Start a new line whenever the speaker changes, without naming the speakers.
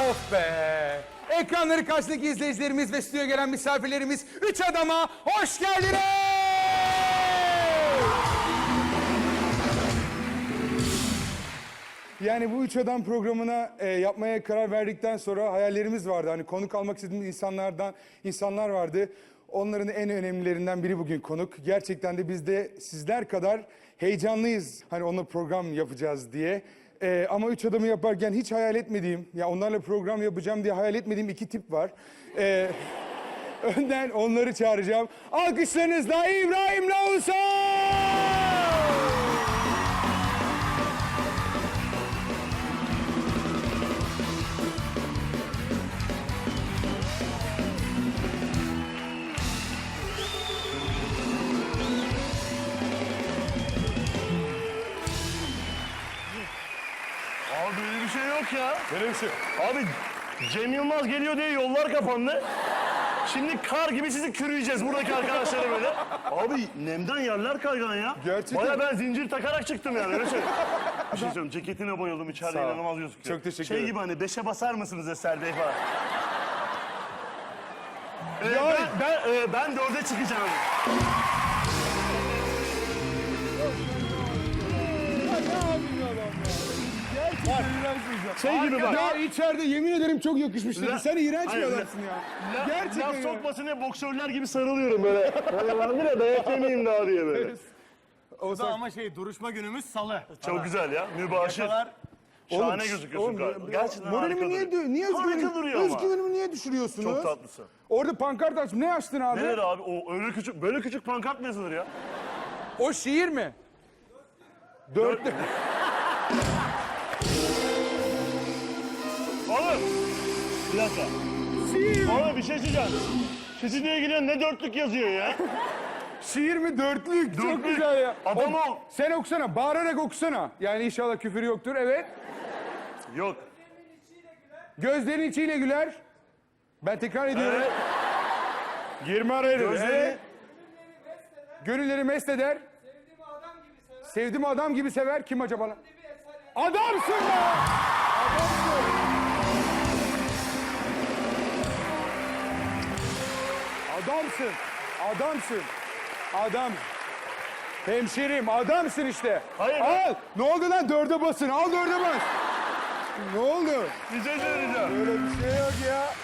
Of be! Ekranları karşısındaki izleyicilerimiz ve stüdyoya gelen misafirlerimiz Üç Adam'a hoş geldiniz! Yani bu Üç Adam programına yapmaya karar verdikten sonra hayallerimiz vardı. Hani konuk almak istediğimiz insanlar vardı. Onların en önemlilerinden biri bugün konuk. Gerçekten de biz de sizler kadar heyecanlıyız. Hani onunla program yapacağız diye. Ama Üç Adam'ı yaparken hiç hayal etmediğim, ya onlarla program yapacağım diye hayal etmediğim iki tip var. Önden onları çağıracağım. Alkışlarınızla İbrahim Oğuzhan!
Abi böyle bir şey yok ya.
Böyle bir şey.
Abi Cem Yılmaz geliyor diye yollar kapandı. Şimdi kar gibi sizi kürüyeceğiz buradaki arkadaşları böyle. Abi nemden yerler kaygan ya.
Gerçekten.
Baya ben zincir takarak çıktım yani öyle söyleyeyim. Bir şey söyleyeyim, ceketine bayıldım, içeride
Sağ ol.
inanılmaz gözüküyor.
Çok teşekkür
Şey
ederim.
gibi hani 5'e basar mısınız Eser Bey falan.
Ya-
Ben 4'e çıkacağım. Şey gibi bak.
Ya içeride yemin ederim çok yakışmış dedi.
La-
Sen iğrenç bir
Hayır,
adamsın ya. Gerçekten
Laf
ya.
sokmasın diye boksörler gibi sarılıyorum böyle. Hani vardır ya dayak yemeyeyim daha diye böyle.
Ama duruşma günümüz salı.
Çok güzel ya, mübaşir.
Yakalar.
Şahane gözüküyorsun galiba. Gerçekten
Moralimi
harika
niye
duruyor. Harika duruyor ama.
özgüvenimi niye düşürüyorsunuz?
Çok tatlısın.
Orada pankart açtım. Ne açtın abi?
Nerede abi? O öyle küçük, böyle küçük pankart mı yazılır ya?
O şiir mi? Dörtlü.
Oğlum! Bir dakika.
Şiir mi?
Oğlum bir şey söyleyeceğim. Stüdyoya gidiyorsun ne dörtlük yazıyor ya?
Şiir mi? Dörtlük. Çok
Dörtlük.
güzel ya.
Adam ol.
Sen okusana. Bağırarak okusana. Yani inşallah küfür yoktur. Evet.
Yok.
Gözlerin içiyle güler. Ben tekrar ediyorum. Girme araya.
Gözleri-
Evet. Gönülleri mest eder. Sevdiğim adam gibi sever. Kim acaba lan? Adamsın be! Adamsın. Adamsın. Adam. Hemşerim adamsın işte.
Hayır.
Al. Ne oldu lan? Dörde basın. Al dörde bas. Ne oldu?
Bir şey söyleyeceğim.
Öyle bir şey yok ya.